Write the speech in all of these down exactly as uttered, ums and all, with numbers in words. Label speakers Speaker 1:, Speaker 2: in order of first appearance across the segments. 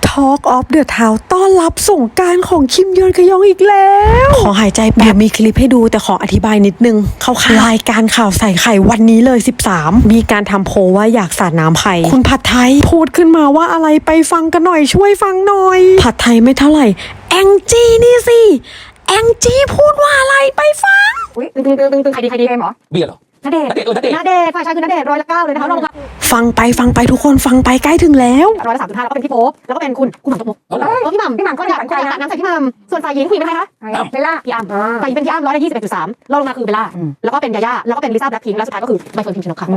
Speaker 1: Talk of the Town ต้อนรับสงกรานต์ของคิมยอนขยองอีกแล้วขอหายใจแป๊บมีคลิปให้ดูแต่ขออธิบายนิดนึงเขารายการข่าวใส่ไข่วันนี้เลยสิบสามมีการทำโพลว่าอยากสาดน้ำใครคุณผัดไทยพูดขึ้นมาว่าอะไรไปฟังกันหน่อยช่วยฟังหน่อยผัดไทยไม่เท่าไหร่แองจี้นี่สิแองจี้พูดว่าอะไรไปฟัง
Speaker 2: อุ้ยตึงตึงตึงตึงตึงใครดีใครดีเกมเหรอ
Speaker 3: เบียร์เหรอ
Speaker 2: ณเดชน์ณเดชน์เออณเดชน์ณเดชน์ฝ่ายชายคือณเดชน์ร้อยละเก้าเลยนะคะลงมา
Speaker 1: ฟังไปฟังไปทุกคนฟังไปใกล้ถึงแล้ว
Speaker 2: ร้อยละสามจุดห้าแล้วก็เป็นพี่โป๊ปแล้วก็เป็นคุณคุณหม่ำจกมกเออพี่หม่ำพี่หม่ำก็อยากใครนะน้ำใส่พี่หม่ำส่วนฝ่ายหญิงคุยเป็นใครคะเบลล่าพี่อ้ำฝ่ายหญิงเป็นพี่อ้ำร้อยละยี่สิบเอ็ดจุดสามรองลงมาคือเบลล่าแล้วก็เป็นยาย่าแล้วก็เป็นลิซ่าแบล็คพิงค์แล้วสุดท้ายก็คือใบเฟิร์นพิมชนกค่ะ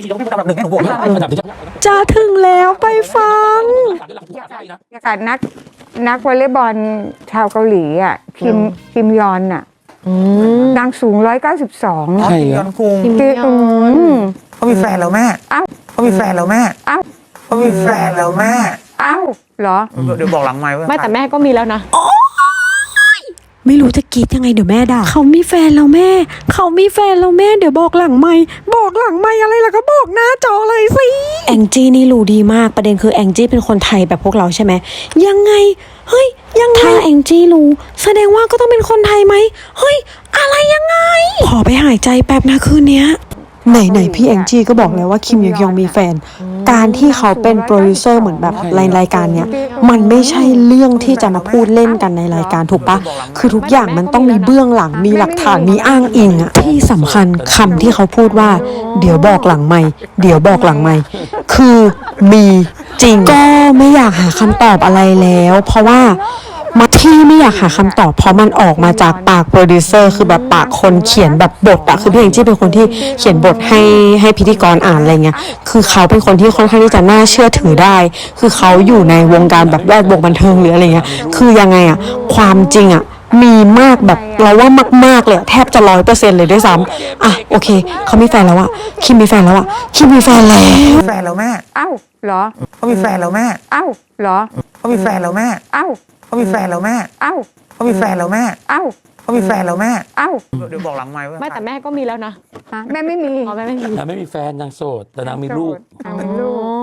Speaker 1: จะถึงแล้วไปฟัง
Speaker 4: อยากนักนักวอลเลย์บอลชาวเกาหลีอ่ะคิมคิมยอนอ่ะนางสูงร้อยเก้าสิบสอง
Speaker 5: ใช่ยอนคุงเขามีแฟนแล้วแม่
Speaker 4: อ้าว
Speaker 5: เขามีแฟนแล้วแม่
Speaker 4: อ้าว
Speaker 5: เขามีแฟนแล้วแม่
Speaker 4: อ้าวเหรอ
Speaker 5: เดี๋ยวบอกหลังไมค์ว่า
Speaker 2: ไม่แต่แม่ก็มีแล้วนะ
Speaker 1: ไม่รู้จะกรีดยังไงเดี๋ยวแม่ด่าเขามีแฟนแล้วแม่เขามีแฟนแล้วแม่เดี๋ยวบอกหลังไม่บอกหลังไม่อะไรล่ะก็บอกหน้าจอเลยสิแองจี้นี่รู้ดีมากประเด็นคือแองจี้เป็นคนไทยแบบพวกเราใช่ไหมยังไงเฮ้ยยังไงถ้าแองจี้รู้แสดงว่าก็ต้องเป็นคนไทยไหมเฮ้ยอะไรยังไงขอไปหายใจแป๊บนะคืนเนี้ยไหนไหนพี่แองจี้ก็บอกแล้วว่าคิมยองยองมีแฟนการที่เขาเป็นโปรดิวเซอร์เหมือนแบบรายการเนี้ยมันไม่ใช่เรื่องที่จะมาพูดเล่นกันในรายการถูกปะคือทุกอย่างมันต้องมีเบื้องหลังมีหลักฐานมีอ้างอิงอะที่สำคัญคำที่เขาพูดว่าเดี๋ยวบอกหลังไม่เดี๋ยวบอกหลังไม่คือมีจริงก็ไม่อยากหาคำตอบอะไรแล้วเพราะว่ามาที่ไม่อยากหาคำตอบเพราะมันออกมาจากปากโปรดิวเซอร์คือแบบปากคนเขียนแบบบทอะคือพี่เองที่เป็นคนที่เขียนบทให้ให้พิธีกรอ่านอะไรเงี้ยคือเขาเป็นคนที่ค่อนข้างที่จะน่าเชื่อถือได้คือเขาอยู่ในวงการแบบแวดวงบันเทิงหรืออะไรเงี้ยคือยังไงอะความจริงอะมีมากแบบเราว่ามากๆเลยแทบจะร้อยเปอร์เซ็นต์เลยด้วยซ้ำอ่ะโอเคเขามีแฟนแล้วอะคิมมีแฟนแล้วอะคิมมีแฟนแล้ว
Speaker 5: แฟนแล้วแม่
Speaker 4: อ้าวเหรอ
Speaker 5: เขามีแฟนแล้วแม่
Speaker 4: อ้าวเหรอ
Speaker 5: เขามีแฟนแล้วแม่
Speaker 4: อ้าว
Speaker 5: เขามีแฟนแล้วแม่
Speaker 4: อ้าว
Speaker 5: เขามีแฟนแล้วแม่
Speaker 4: อ้าว
Speaker 5: เขามีแฟนแล้วแม่
Speaker 4: อ้าว
Speaker 5: เดี๋ยวบอกหลังไมค์ว่า
Speaker 2: ไม่แต่แม่ก็มีแล้วนะ
Speaker 4: แม่ไม่มี
Speaker 2: อ๋อแม่ไม่มี
Speaker 3: นางไม่มีแฟนนางโสดแต่นางมีลูก
Speaker 4: นางมีลูก